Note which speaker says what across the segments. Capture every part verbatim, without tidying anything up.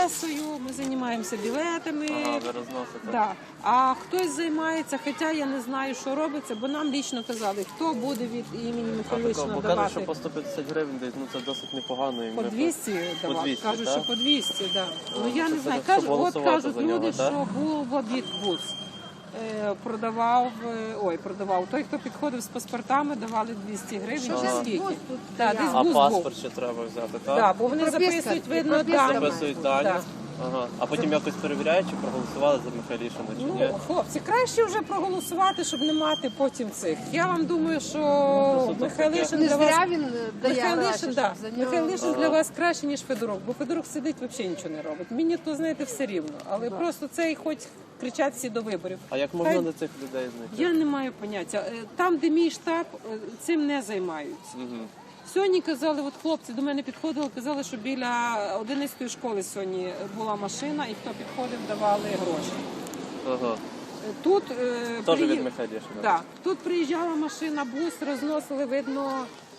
Speaker 1: пресою, ми займаємося білетами.
Speaker 2: Ага, ви розносите.
Speaker 1: Да. А хтось займається, хоча я не знаю, що робиться, бо нам лічно казали, хто буде від імені Михайлишина
Speaker 2: Бо
Speaker 1: давати.
Speaker 2: кажуть, що по сто п'ятдесят гривень десь, ну це досить непогано. І
Speaker 1: По
Speaker 2: ми
Speaker 1: двісті
Speaker 2: По
Speaker 1: давати,
Speaker 2: двісті,
Speaker 1: кажуть,
Speaker 2: так?
Speaker 1: що по двісті, да. Ну
Speaker 2: Ну,
Speaker 1: я
Speaker 2: це
Speaker 1: не знаю,
Speaker 2: щоб
Speaker 1: кажуть, от
Speaker 2: голосувати
Speaker 1: кажуть
Speaker 2: за нього,
Speaker 1: люди,
Speaker 2: так?
Speaker 1: що був в обід бус. Е, Продавав, е, ой, продавав. Той, хто підходив з паспортами, давали двісті гривень.
Speaker 3: Що
Speaker 1: чи
Speaker 3: ж
Speaker 1: скільки?
Speaker 3: бус тут
Speaker 1: Да,
Speaker 3: стояв?
Speaker 1: десь
Speaker 2: А
Speaker 1: бус
Speaker 2: паспорт
Speaker 1: був.
Speaker 2: ще треба взяти, так?
Speaker 1: Да, бо вони
Speaker 3: Прописка,
Speaker 1: записують, видно,
Speaker 3: прописка
Speaker 1: дані.
Speaker 2: Записують дані.
Speaker 1: Да.
Speaker 2: Ага. А потім якось перевіряють, чи проголосували за Михайлішина, чи ні?
Speaker 1: Ну, хлопці, краще вже проголосувати, щоб не мати потім цих. Я вам думаю, що
Speaker 2: тут
Speaker 1: Михайлишин
Speaker 3: Не
Speaker 1: для вас...
Speaker 3: зря він дає гроші,
Speaker 1: Михайлишин,
Speaker 3: щоб
Speaker 1: да.
Speaker 3: за нього...
Speaker 1: Михайлишин для вас краще, ніж Федорук, бо Федорук сидить, взагалі нічого не робить. Мені то, знаєте, все рівно. Але просто цей хоч кричать всі до виборів.
Speaker 2: А як можна
Speaker 1: Хай-
Speaker 2: до цих людей знайти?
Speaker 1: Я не маю поняття. Е, Там, де мій штаб, е, цим не займаються.
Speaker 2: Угу.
Speaker 1: Сьогодні казали, от хлопці до мене підходили, казали, що біля одинадцятої школи сьогодні була машина, і хто підходив, давали гроші.
Speaker 2: Ага.
Speaker 1: Е, Тут, е,
Speaker 2: Теж
Speaker 1: приї-
Speaker 2: від Михайлішина?
Speaker 1: Да. Тут приїжджала машина, бус, розносили, видно,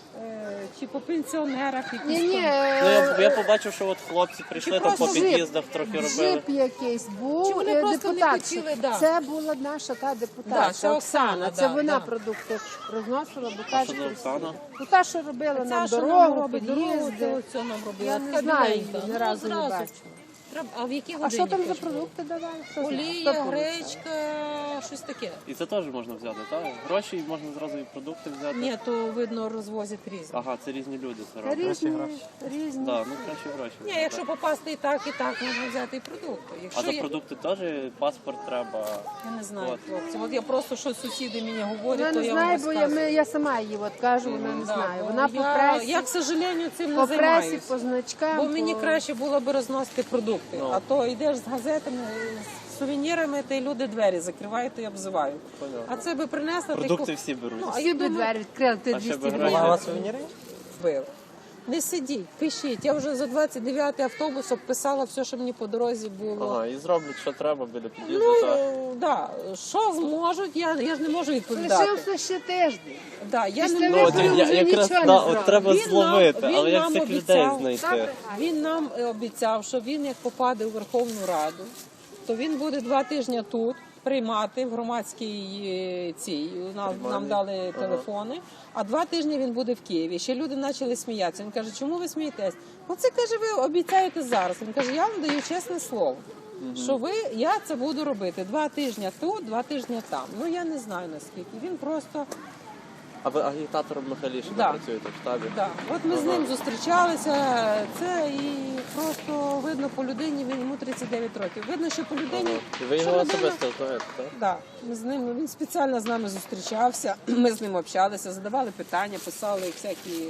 Speaker 1: е, чи по пенсіонерах якісь
Speaker 3: Ні, ні,
Speaker 1: там.
Speaker 2: Ну, я, я побачив, що от хлопці прийшли,
Speaker 1: Чи
Speaker 2: там по
Speaker 1: просто джип.
Speaker 2: під'їздах трохи робили.
Speaker 3: джип якийсь
Speaker 1: Чи
Speaker 3: був,
Speaker 1: вони
Speaker 3: е,
Speaker 1: просто не
Speaker 3: депутат.
Speaker 1: хотіли, да.
Speaker 3: Це була наша та депутатка,
Speaker 1: Да, це Оксана,
Speaker 3: Це
Speaker 1: да,
Speaker 3: вона
Speaker 1: да.
Speaker 3: продукти розносила, бо
Speaker 2: А
Speaker 3: каже,
Speaker 2: що за Оксана?
Speaker 3: ну та, що робила
Speaker 1: Ця,
Speaker 3: нам
Speaker 1: що нам
Speaker 3: дорогу,
Speaker 1: робить дорогу,
Speaker 3: під'їзди.
Speaker 1: це нам робила.
Speaker 3: Я не
Speaker 1: Така
Speaker 3: знаю
Speaker 1: біленька.
Speaker 3: її, ні
Speaker 1: Ну,
Speaker 3: разу не
Speaker 1: зразу.
Speaker 3: бачила.
Speaker 1: Треба- А в якій
Speaker 3: А
Speaker 1: годині?
Speaker 3: що там за
Speaker 1: кажуть?
Speaker 3: продукти давали? Хто знає?
Speaker 1: Олія,
Speaker 3: Хто помнить?
Speaker 1: гречка, щось таке.
Speaker 2: І це теж можна взяти, так? Гроші і можна зразу і продукти взяти.
Speaker 1: Ні, то видно розвозять різні.
Speaker 2: Ага, це різні люди це
Speaker 3: Та
Speaker 2: роблять.
Speaker 3: Різні, різні.
Speaker 2: Да, ну краще гроші.
Speaker 1: Ні, якщо попасти і так, і так, можна взяти і продукти.
Speaker 2: А
Speaker 1: Якщо
Speaker 2: за
Speaker 1: я...
Speaker 2: продукти теж паспорт треба.
Speaker 1: Я не знаю,
Speaker 2: От.
Speaker 1: хлопці. От я просто, що сусіди мені говорять,
Speaker 3: Вона
Speaker 1: то
Speaker 3: не
Speaker 1: я
Speaker 3: знає,
Speaker 1: вам
Speaker 3: бо я,
Speaker 1: розказую.
Speaker 3: ми, я сама її от кажу, вона не
Speaker 1: Да,
Speaker 3: знає.
Speaker 1: бо
Speaker 3: Вона по
Speaker 1: я,
Speaker 3: пресі,
Speaker 1: я, к сожалению, цим
Speaker 3: по
Speaker 1: не
Speaker 3: пресі,
Speaker 1: займаюся.
Speaker 3: по значкам.
Speaker 1: Бо мені
Speaker 3: по...
Speaker 1: краще було б розносити продукти.
Speaker 2: Ну.
Speaker 1: А то йдеш з газетами, з сувенірами, та й люди двері закривають і обзивають.
Speaker 2: Понятно.
Speaker 1: А це би принесла... ти
Speaker 2: Продукти
Speaker 1: ку-
Speaker 2: всі беруть.
Speaker 1: Ну, а
Speaker 3: Всі
Speaker 1: я
Speaker 3: би
Speaker 1: думаю,
Speaker 3: двері відкрили, ти
Speaker 2: А ще
Speaker 3: двісті
Speaker 2: би
Speaker 3: гривень.
Speaker 2: гроші.
Speaker 4: сувеніри?
Speaker 1: бив. Не сидіть, пишіть. Я вже за двадцять дев'ятий автобус обписала все, що мені по дорозі було.
Speaker 2: Ага, і зроблять, що треба біля під'їзду.
Speaker 1: Ну,
Speaker 2: так.
Speaker 1: е, да. Що зможуть, я, я ж не можу відповідати.
Speaker 3: Лишився ще тиждень.
Speaker 1: Да, я
Speaker 3: Після
Speaker 1: не
Speaker 2: Ну,
Speaker 1: можу.
Speaker 2: от,
Speaker 3: виборів
Speaker 2: я,
Speaker 3: вже
Speaker 2: якраз
Speaker 3: нічого не
Speaker 2: да,
Speaker 3: зробить.
Speaker 2: от треба
Speaker 1: Він нам-
Speaker 2: зловити,
Speaker 1: він
Speaker 2: але як
Speaker 1: нам
Speaker 2: цих людей
Speaker 1: обіцяв.
Speaker 2: знайти?
Speaker 1: Він нам е, обіцяв, що він як попаде у Верховну Раду, то він буде два тижні тут приймати в громадській е, цій. Нам, нам дали телефони, а два тижні він буде в Києві. Ще люди почали сміятися. Він каже, чому ви смієтесь? Ну це каже, ви обіцяєте зараз. Він каже, я вам даю чесне слово. Що ви, я це буду робити два тижні тут, два тижні там. Ну я не знаю наскільки. Він просто
Speaker 2: А ви агітатором Михайлішина
Speaker 1: Да.
Speaker 2: працюєте в штабі?
Speaker 1: да. От ми з
Speaker 2: Ага.
Speaker 1: ним зустрічалися. Це і просто видно по людині. Він йому тридцять дев'ять років. Видно, що по людині
Speaker 2: І ви
Speaker 1: що
Speaker 2: його
Speaker 1: людина-
Speaker 2: особисто знаєте, так?
Speaker 1: Да, ми з ним він спеціально з нами зустрічався. Ми з ним общалися, задавали питання, писали всякі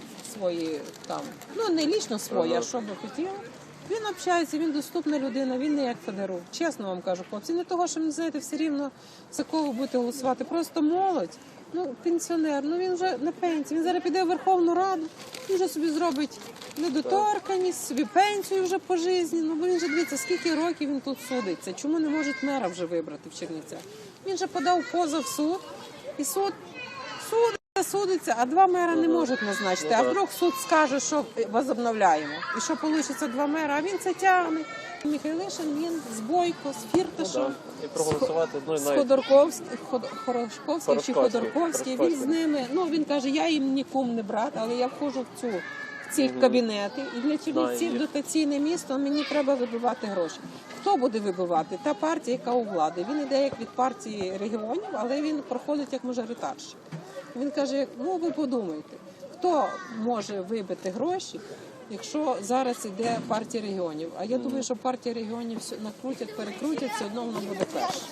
Speaker 1: свої там, ну не лічно свої,
Speaker 2: Ага.
Speaker 1: а що би хотіли. Він общається, він доступна людина, він не як Федорук. Чесно вам кажу, хлопці, не того, що не знаєте, все рівно за кого ви будете голосувати. Просто молодь, ну пенсіонер, ну він вже на пенсії. Він зараз піде в Верховну Раду, він вже собі зробить недоторканність, собі пенсію вже по житті. Ну бо він же дивіться, скільки років він тут судиться. Чому не можуть мера вже вибрати в Чернівцях? Він же подав позов в суд, і суд судиться, судиться, а два мера не можуть назначити. А вдруг суд скаже, що возобновляємо. І що вийде два мера, а він це тягне. Михайлишин, він з Бойко, з Фірташем,
Speaker 2: Ну, да. І проголосувати, ну і
Speaker 1: з
Speaker 2: навіть
Speaker 1: Ходорковським, Ход- Хорошковський чи
Speaker 2: Хорошковський,
Speaker 1: Ходорковський, він з
Speaker 2: Хорошковський.
Speaker 1: ними, ну він каже, я їм нікому не брат, але я входжу в цю в ці кабінети. І для Чернівців
Speaker 2: їх.
Speaker 1: дотаційне місто, мені треба вибивати гроші. Хто буде вибивати? Та партія, яка у влади. Він іде як від партії регіонів, але він проходить як мажоритарщик. Він каже, ну ви подумайте, хто може вибити гроші, якщо зараз іде партія регіонів. А я думаю, що партія регіонів все накрутять, перекрутять, все одно вона буде перша.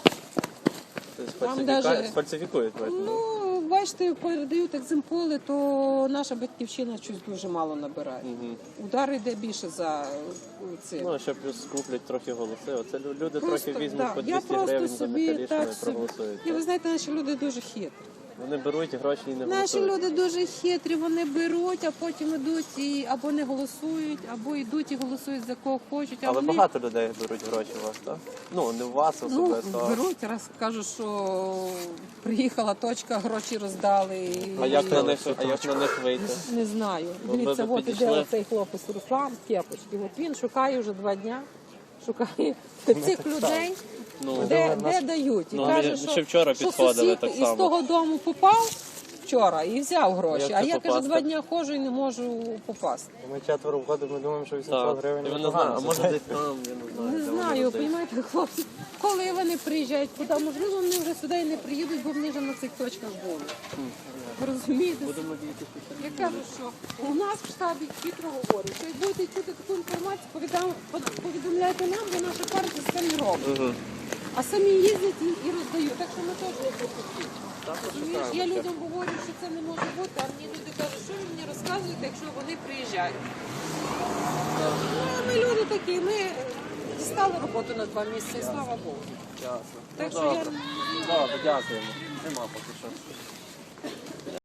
Speaker 2: тобто
Speaker 1: Там
Speaker 2: фальсифіка-
Speaker 1: даже-
Speaker 2: фальсифікують. бачите?
Speaker 1: Ну, бачите, передають екземполи, то наша батьківщина щось дуже мало набирає.
Speaker 2: Мгм.
Speaker 1: Удар йде більше за це.
Speaker 2: Ну, а ще плюс скуплять трохи голоси. Оце люди
Speaker 1: Просто,
Speaker 2: трохи візьмуть
Speaker 1: да,
Speaker 2: по
Speaker 1: я
Speaker 2: двісті
Speaker 1: просто
Speaker 2: гривень за
Speaker 1: собі
Speaker 2: Михайлішина
Speaker 1: так
Speaker 2: і
Speaker 1: собі.
Speaker 2: проголосують.
Speaker 1: І ви знаєте, наші люди дуже хитрі.
Speaker 2: Вони беруть гроші і не
Speaker 1: Наші
Speaker 2: голосують.
Speaker 1: люди дуже хитрі, вони беруть, а потім йдуть і або не голосують, або йдуть і голосують за кого хочуть. А
Speaker 2: Але
Speaker 1: вони
Speaker 2: багато людей беруть гроші у вас, так? Ну, не у вас
Speaker 1: ну,
Speaker 2: особисто. а-
Speaker 1: беруть, раз кажуть, що приїхала точка, гроші роздали. І...
Speaker 2: А як на них, а як на них вийти?
Speaker 1: Не знаю.
Speaker 2: Ви
Speaker 1: Дивіться,
Speaker 2: б
Speaker 1: от іде
Speaker 2: підійшли?
Speaker 1: оцей хлопець Руслан в кепочці. От він шукає вже два дня, шукає цих людей,
Speaker 2: Ну,
Speaker 1: де, де дають. І
Speaker 2: Ну,
Speaker 1: каже,
Speaker 2: ми
Speaker 1: що,
Speaker 2: ще вчора
Speaker 1: що
Speaker 2: підходили
Speaker 1: сусід
Speaker 2: так
Speaker 1: із
Speaker 2: само.
Speaker 1: того дому попав вчора і взяв гроші.
Speaker 2: Як
Speaker 1: А
Speaker 2: це
Speaker 1: я, каже,
Speaker 2: попасти?
Speaker 1: два дня ходжу і не можу попасти.
Speaker 4: Ми четверо входимо, ми думаємо, що вісімсот
Speaker 2: Так.
Speaker 4: гривень.
Speaker 2: І ви не
Speaker 4: непогано.
Speaker 2: знаєте, а може десь там, я не знаю.
Speaker 1: Не
Speaker 2: де вони
Speaker 1: знаю,
Speaker 2: роздають.
Speaker 1: розумієте, хлопці, коли вони приїжджають, куди можливо, вони вже сюди і не приїдуть, бо вони вже на цих точках були. Розумієте? Я кажу, що у нас в штабі хитро говорять, що як будете чути таку інформацію, повідам- повідомляйте нам, бо наша партія самі робить.
Speaker 2: Мгм.
Speaker 1: А самі їздять і, і роздають. Так що ми теж не пропустимо. Розумієш, я людям говорю, що це не може бути, а мені люди кажуть, що ви мені розказуєте, якщо вони приїжджають. Ну, ми люди такі, ми дістали роботу на два місяці, і слава Богу.
Speaker 2: Ясно.
Speaker 1: Так
Speaker 2: Ну,
Speaker 1: що я
Speaker 2: добре. Добре, дякуємо. Нема поки що.